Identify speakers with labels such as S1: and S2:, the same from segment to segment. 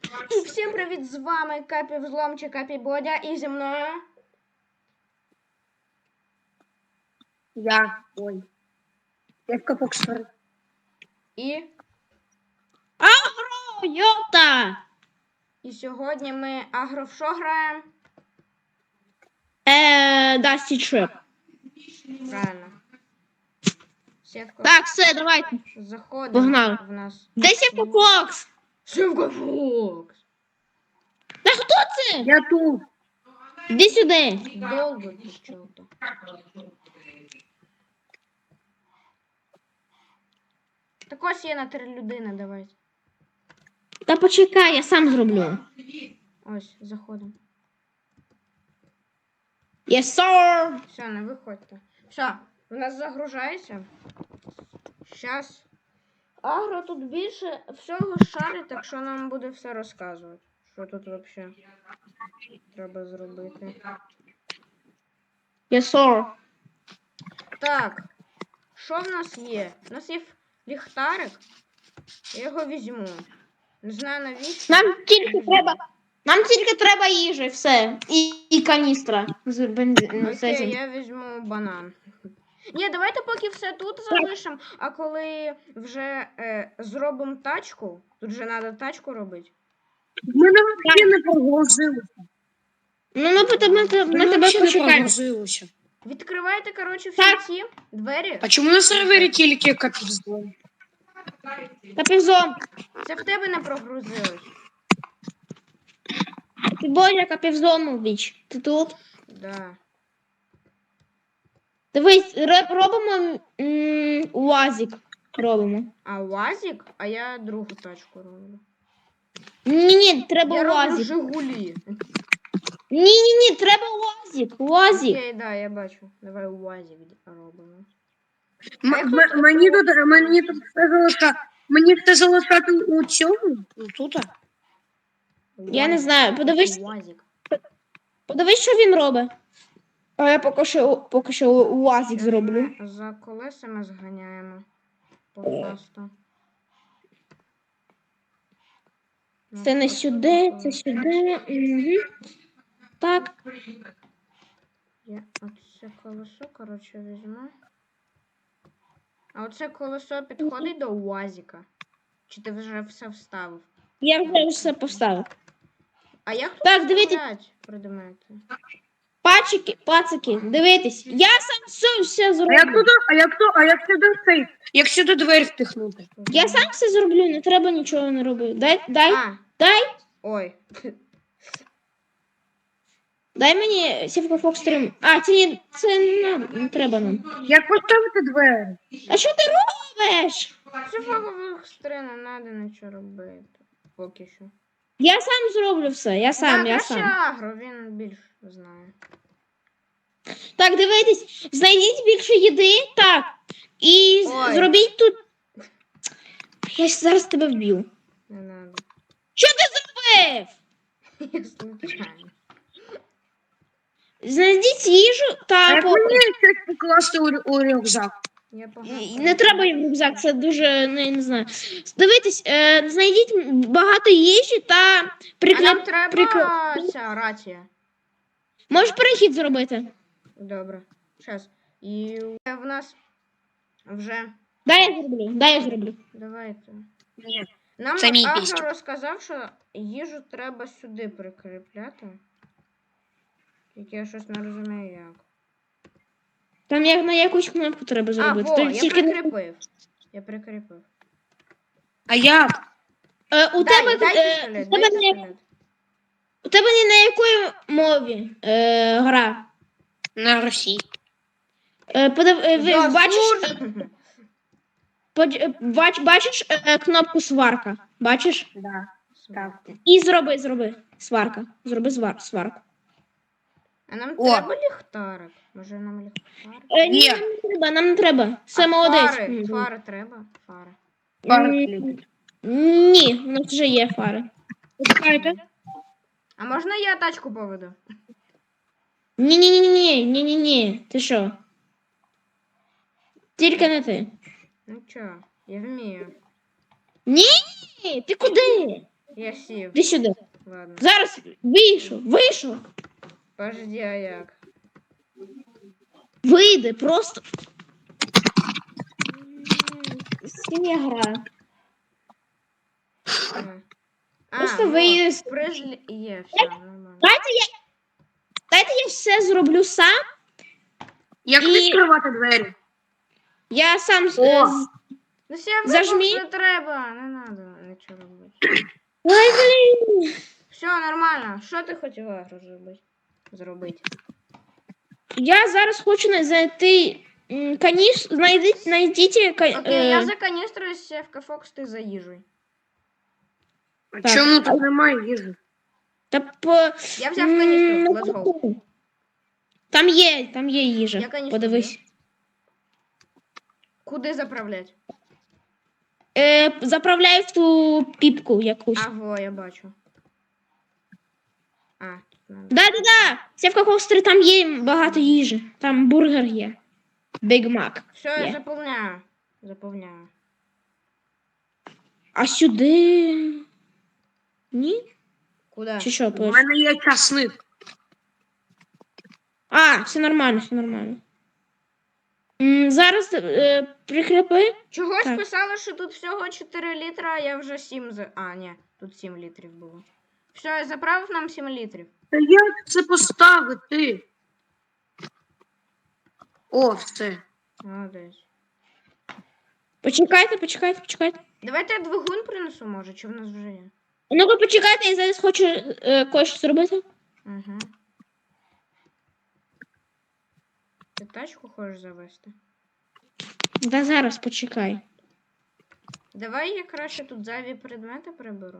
S1: І всім привіт, з вами Капі Взлом чи Капі Бодя, і зі мною...
S2: Я в Капокстор.
S1: І...
S3: Агро, йота!
S1: І сьогодні ми агро в що граємо?
S3: Dusty Trap.
S1: Правильно. Сітка.
S3: Так, все, давайте.
S1: Заходимо
S3: Погнали.
S1: в нас.
S3: Де Сівка Фокс?
S1: Сівка Фокс!
S3: Та хто це?
S2: Я тут.
S3: Іди сюди.
S1: Довго тут чого-то. Так ось є на 3 людини, давайте.
S3: Та почекай, я сам зроблю.
S1: Ось, заходимо.
S3: Yes, sir.
S1: Все, не виходьте. Все, у нас загружається. Щас. Агро тут більше всього шарить, так що нам буде все розказувати. Що тут взагалі треба зробити.
S3: Yes, sir.
S1: Так, що в нас є? У нас є ліхтарик. Я його візьму. Не знаю навіщо.
S3: Нам тільки треба їжі, все. І каністра з бензину.
S1: Окей, я візьму банан. Ні, давайте поки все тут залишимо, а коли вже зробимо тачку, тут же треба тачку робити.
S2: Ми взагалі не прогрузилися.
S3: Ну, ми тебе почекаємо.
S2: прогрузилися.
S1: Відкривайте, коротше, всі
S3: Так.
S1: ці двері.
S2: А чому на сервері тільки Капокстор?
S3: Та півзом.
S1: Це в тебе не прогрузилось.
S3: Ти Бодя, капівзому біч. Ти тут?
S1: Да.
S3: Дивись, робимо УАЗик. Робимо.
S1: А УАЗик? А я другу тачку роблю.
S3: Ні, треба
S1: Я роблю
S3: УАЗик.
S1: Жигулі.
S3: Ні, треба УАЗик. УАЗик.
S1: Окей, да, я бачу. Давай УАЗик робимо.
S2: Мені все залишати у цьому? Тут?
S3: Я не знаю, подивись.
S1: УАЗик.
S3: Подивись, що він робить. А я поки що УАЗик зроблю.
S1: За колесами зганяємо. Просто.
S3: Це не сюди, це сюди. Угу. Так.
S1: Я оце колесо, коротше, візьму. А оце колесо підходить до УАЗика? Чи ти вже все вставив?
S3: Я вже все поставив.
S1: А як тут
S3: Так, дивіться.
S1: стріляти предмети?
S3: Пацики, дивитесь. Я сам все зроблю.
S2: Як сюди двері впихнути?
S3: Я сам все зроблю, не треба нічого не робити. Дай.
S1: Ой.
S3: Дай мені Сівка Фокс 3. А, це не треба нам.
S2: Як поставити двері?
S3: А що ти робиш?
S1: Це фагових стрін, не треба нічого робити. Поки що.
S3: Я сам зроблю все, я сам.
S1: Краще агро, він більш знає.
S3: Так, дивитесь, знайдіть більше їди, так. І
S1: Ой.
S3: зробіть тут. Я зараз тебе вб'ю.
S1: Не треба.
S3: Що ти зробив?
S1: Я случайно.
S3: Знайдіть їжу
S2: А
S3: та
S2: як мені щось покласти у рюкзак?
S1: Я погано.
S3: Не треба їм рюкзак, це дуже не знаю. Дивитесь, знайдіть багато їжі та
S1: А нам треба ця рація.
S3: Можеш перехід зробити?
S1: Добре. Щас. І в нас вже...
S3: Дай я зроблю.
S1: Давайте.
S2: Ні.
S1: Нам
S2: Це мій
S1: Агро
S2: пістік.
S1: розказав, що їжу треба сюди прикріпляти. Тільки я щось не розумію як.
S3: Там на якусь кнопку треба зробити.
S1: Во,
S3: Ти
S1: я
S3: тільки
S1: прикріпив. Я прикріпив.
S2: А як?
S3: у тебе
S1: пістолет, дай пістолет.
S3: у тебе не на якої мові гра?
S2: На Росії.
S3: Бачиш кнопку сварка? Бачиш?
S2: Да. Так.
S3: І зроби сварка. Зроби сварку.
S1: А нам
S2: О.
S1: треба ліхтарик? Може нам ліхтарик?
S3: Ні, нам не треба. Все молодець.
S1: Фари треба? Фари.
S3: Ні, у нас вже є фари.
S2: Почекайте.
S1: А можна я тачку поведу?
S3: Ні. Ти що? Тільки не ти.
S1: Ну чо, я вмію.
S3: Ні, ти куди?
S1: Я сів.
S3: Іди сюди.
S1: Ладно.
S3: Зараз вийшов.
S1: Подожди, а як?
S3: Вийди, просто. З ким я граю? Просто
S1: ну,
S3: вийди.
S1: Призлі... Є, все, нормально.
S3: Дайте я все зроблю сам.
S2: Як
S3: І-
S2: відкривати двері?
S3: Я сам
S2: О!
S1: Ну все,
S3: Зажмі.
S1: не треба, не треба нічого робити.
S3: Ой, блін.
S1: Все, нормально. Що ти хотіла зробити?
S3: Я зараз хочу знайти каніс. Знайдіть
S1: Окей, я за каністрою сів Фокс, ти за їжею.
S2: А
S3: Так.
S2: чому тут немає їжі?
S3: Я
S1: Я взяв каністру, let's go.
S3: Там є їжа.
S1: Я каністру
S3: Подивись.
S1: Куди заправлять?
S3: Заправляй в ту піпку якусь.
S1: Аго, я бачу. Тут надо.
S3: Да. Сєвка Хостри, там є багато їжі. Там бургер є. Біг Мак.
S1: Все, я
S3: Є.
S1: заповняю.
S3: А сюди. Ні?
S1: Куди?
S3: Чи що?
S2: У мене є часник.
S3: Все нормально. Зараз прикріпи.
S1: Чогось
S3: Так.
S1: писало, що тут всього 4 літра, а я вже 7 ні, тут 7 літрів було. Все, я заправив нам 7 літрів.
S2: Та як це поставити? О, все.
S1: Молодець.
S3: Почекайте.
S1: Давайте я двигун принесу, може, чи в нас вже є?
S3: Ну-ка, почекайте, я зараз хочу кое-що зробити.
S1: Угу. Ти тачку хочеш завести?
S3: Да зараз почекай.
S1: Давай я краще тут зайві предмети приберу.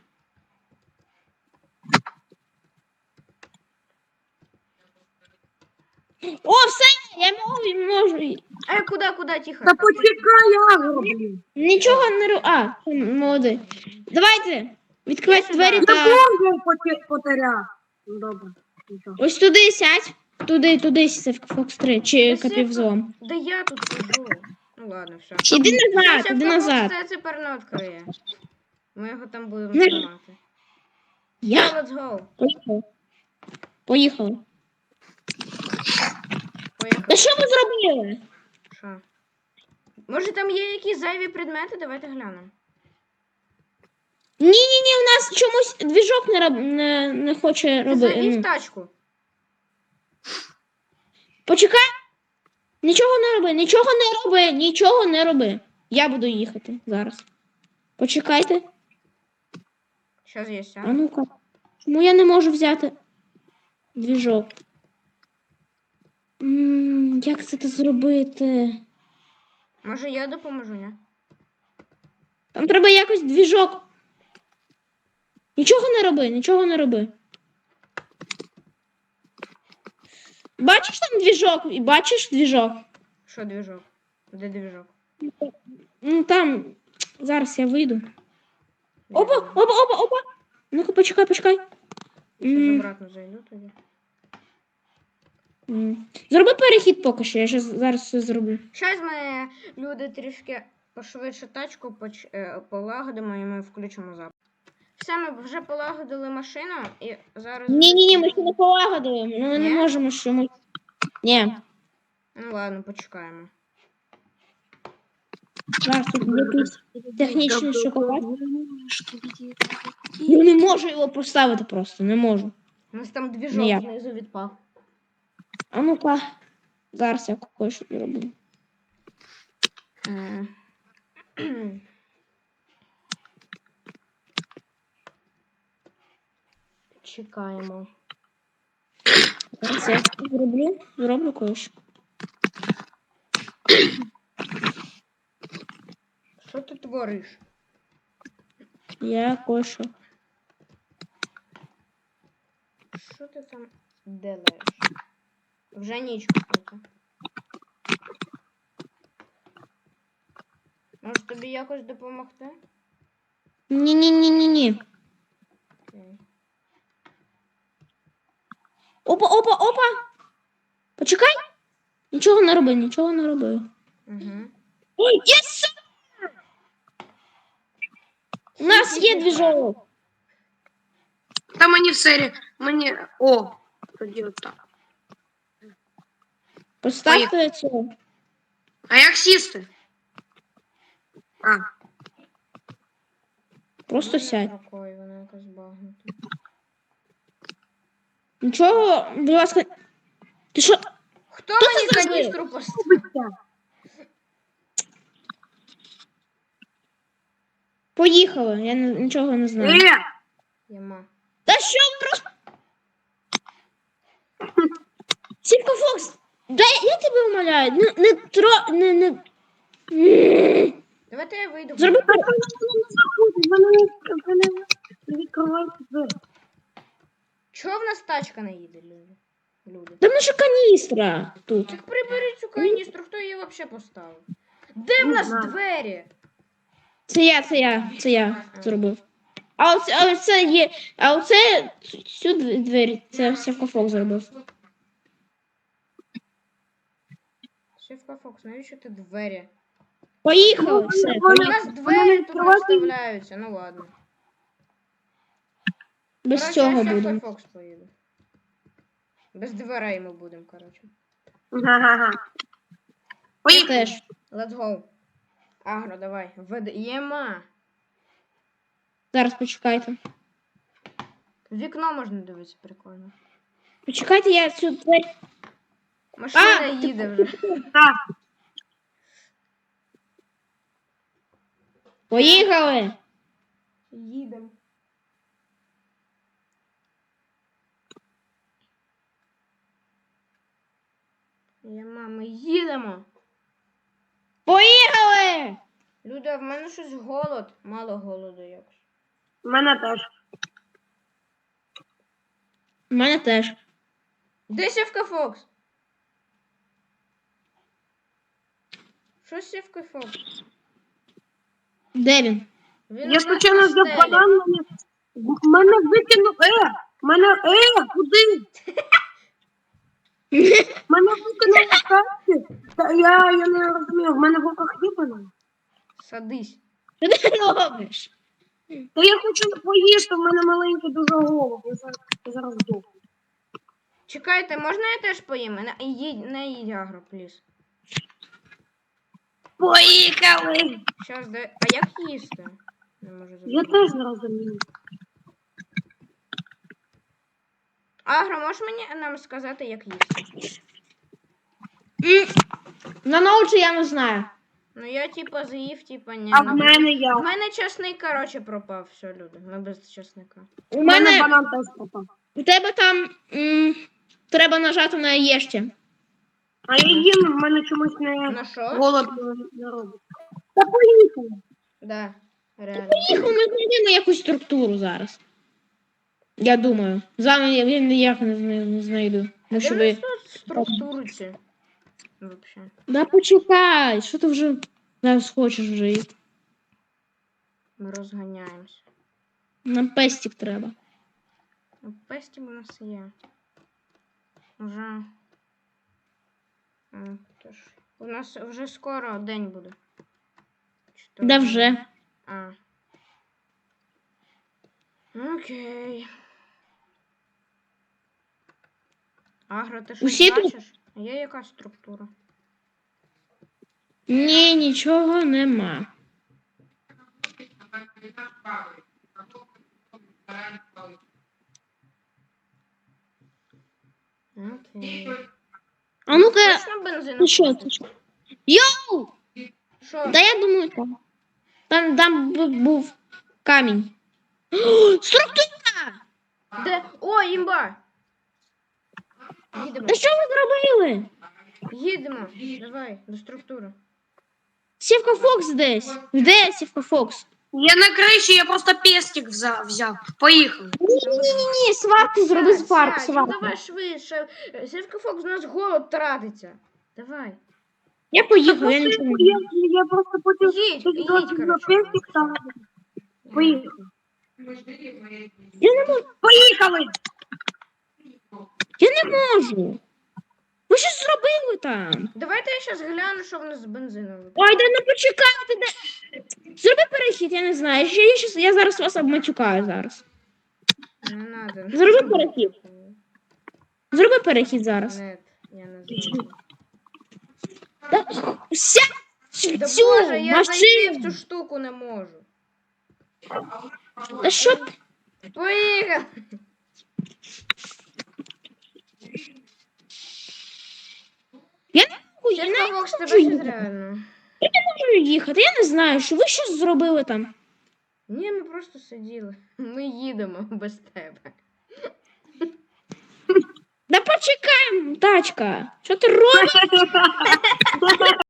S3: О, все! Я можу.
S1: Куди, тихо?
S2: Та почекай, Агро, блін.
S3: Нічого не роблю. Молодий. Давайте. Відкривайте
S1: Я
S3: двері
S1: сюди.
S3: та.
S2: Потеряв. Ну, добре. Нічого.
S3: Ось туди сядь. Туди сядь, Фокс 3 чи
S1: Та
S3: капівзлом.
S1: Да я тут сижу. Ну ладно, все.
S3: Іди назад.
S1: Це тепер не відкриє. Ми його там будемо
S3: Не-
S1: знімати.
S3: Я.
S1: Let's go.
S3: Поїхали. Та
S1: Поїхали.
S3: що ви зробили?
S1: Що? Може там є якісь зайві предмети? Давайте глянемо.
S3: Ні, у нас чомусь двіжок не хоче
S1: Ти завів
S3: робити.
S1: тачку.
S3: Почекай. Нічого не роби. Я буду їхати зараз. Почекайте.
S1: Щас є
S3: А
S1: сяду.
S3: ну-ка. Чому я не можу взяти двіжок? Як це зробити?
S1: Може я допоможу, ні?
S3: Там треба якось двіжок. Нічого не роби. Бачиш там двіжок? Бачиш двіжок?
S1: Що двіжок? Де двіжок?
S3: Там. Зараз я вийду. Опа. Ну-ка, почекай.
S1: Щас обратно зайду тоді.
S3: Зроби перехід поки що, я зараз все зроблю.
S1: Щас ми, люди, трішки пошвидше тачку полагодимо і ми включимо запис. Все, ми вже полагодили машину і зараз...
S3: Ні, ми ще не полагодили. Ми не
S1: Ні?
S3: можемо що ми. Ні.
S1: Ну ладно, почекаємо.
S3: Зараз тут якийсь технічний шоколад. Я не можу його поставити просто, не можу.
S1: У нас там двіжок
S3: Ніяк.
S1: знизу відпав.
S3: А ну-ка. Зараз я кое-що зроблю.
S1: Чекаємо.
S3: Зараз я зроблю кое-що.
S1: Що ти твориш?
S3: Я кое-що.
S1: Що ти там делаєш? Вже ніч купити. Може тобі якось допомогти?
S3: Ні.
S1: Окей.
S3: Опа. Почекай. Нічого не роби.
S1: Угу.
S3: Ой, єс! У нас є двіжок.
S2: Та мені все, мені... О, тоді отак.
S3: Поставте цього.
S2: А як сісти? А,
S3: Просто сядь.
S1: Рукою, вона якась багнута.
S3: Нічого, будь ласка. Ти що?
S1: Хто
S3: це
S1: мені
S3: зробив?
S1: каністру поставив?
S2: робиться.
S3: Поїхали, я нічого не знаю.
S1: Яма.
S3: Та що ви просто... Сімка Фокс, дай, я тебе умоляю, не тро... не...
S1: Давайте я вийду.
S3: Зроби
S2: А то не заходить, вони не відкривають двері.
S1: Чого в нас тачка не їде, люди?
S3: Там наша каністра тут.
S1: Так приберіть цю каністру, хто її взагалі поставив? Де в
S2: Не
S1: нас
S2: знаю.
S1: двері?
S3: Це я зробив. А оце є, а оце цю двері, це Сімка Фокс зробив.
S1: Шефка Фокс, навіщо ти двері?
S3: Поїхали, все,
S1: У
S3: поїхали.
S1: нас двері тут не вставляються, ну ладно.
S3: Без
S1: Короче,
S3: цього
S1: я Шефка
S3: будемо.
S1: Фокс поїду. Без дверей ми будемо, коротше.
S2: Ага.
S3: Я
S2: Поїхали.
S3: теж.
S1: Let's go. Агро, давай. Єма.
S3: Зараз почекайте.
S1: В вікно можна дивитися, прикольно.
S3: Почекайте, я цю двері.
S1: Машина
S3: А,
S1: їде вже.
S2: Так.
S3: Поїхали!
S1: Їдемо. Єма, ми їдемо.
S3: Поїхали!
S1: Люда, в мене щось голод. Мало голоду якось.
S2: У мене теж.
S3: У мене теж.
S1: Де Сівка Фокс? Що з Сівкою Фокс?
S3: Де він?
S1: Він
S2: Я
S1: у нас
S2: спочатку
S1: на
S2: взяв
S1: стелі.
S2: банан, мене викинув. Мене, куди? Мене викинули з карти. Та я не розумію, в мене в руках є банан.
S1: Садись.
S3: Що ти робиш?
S2: Та я хочу поїсти, в мене маленький дуже голод. Я зараз здохну.
S1: Чекайте, можна я теж поїм? Не їдь агро, пліз.
S2: Поїхали!
S1: Щас, а як їсти? Не можу
S2: Я
S1: зрозуміти.
S2: теж не розумію.
S1: Агро, можеш нам сказати, як їсти?
S3: На ноуті я не знаю.
S1: Ну я типа заїв, типа ні.
S2: А в мене
S1: В
S2: я.
S1: мене часник, короче, пропав. Все, люди. Ми без часника.
S3: У
S2: У мене
S3: мене,
S2: банан теж пропав.
S3: у тебе там треба нажати на єшті.
S2: А я їм, в мене чомусь
S1: На
S2: не
S1: що?
S2: голод не робить. Та поїхали.
S1: Да, реально.
S3: Їх ми знайдемо якусь структуру зараз. Я думаю. Зараз я ніяк не знайду.
S1: А
S3: Ну,
S1: де
S3: що
S1: в
S3: ви...
S1: нас тут структури ці? Вообще.
S3: Да почекай, що ти вже зараз хочеш вже їсти?
S1: Ми розганяємось.
S3: Нам пестик треба.
S1: Ну, пестів у нас є. Уже. Тож. У нас вже скоро день буде. Чи то
S3: Да вже.
S1: А. Окей. Агро, ти щось
S3: Усі тут?
S1: бачиш? Є якась структура?
S3: Ні, нічого нема.
S1: Окей.
S3: А ну-ка,
S1: Точно бензин?
S3: ти що? Ти що? Йоу!
S1: Що?
S3: Да я думаю, там. Там був камінь. О, структура!
S1: Де? О, імба! Їдемо.
S3: Та що ви зробили?
S1: Їдемо. Давай, до структури.
S3: Сівка Фокс десь. Де Сівка Фокс?
S2: Я на криші, я просто пестик взяв. Поїхали.
S3: Ні, сварку зроби
S1: Сядь,
S3: сварку,
S1: сядь, ну
S3: сварку.
S1: давай швидше. Сівка Фокс, у нас голод тратиться. Давай.
S3: Я поїхав, я нічого не знаю.
S2: Я просто потім
S1: Їдь, їдь,
S2: на
S1: коротше.
S2: пестик став. Поїхали.
S3: Я не можу.
S2: Поїхали!
S3: Я не можу. Ви щось зробили там?
S1: Давайте я зараз гляну, що в нас з бензином.
S3: Ой, да не почекайте. Зроби перехід, я не знаю. Я зараз вас обматюкаю зараз.
S1: Не надо.
S3: Зроби перехід. Зроби перехід зараз.
S1: Нет, я не зроблю.
S3: Та, сядь
S1: Да
S3: в цю
S1: боже, я зайти в
S3: машину.
S1: цю штуку не можу.
S3: Та що ти?
S1: Поїхав!
S3: Я не можу, я
S1: Чесно,
S3: не
S1: Фокс, тебе
S3: можу
S1: щось
S3: їхати.
S1: реально.
S3: Можу їхати. Я не знаю, що ви щось зробили там.
S1: Ні, ми просто сиділи. Ми їдемо без тебе.
S3: Да почекай, тачка. Що ти робиш?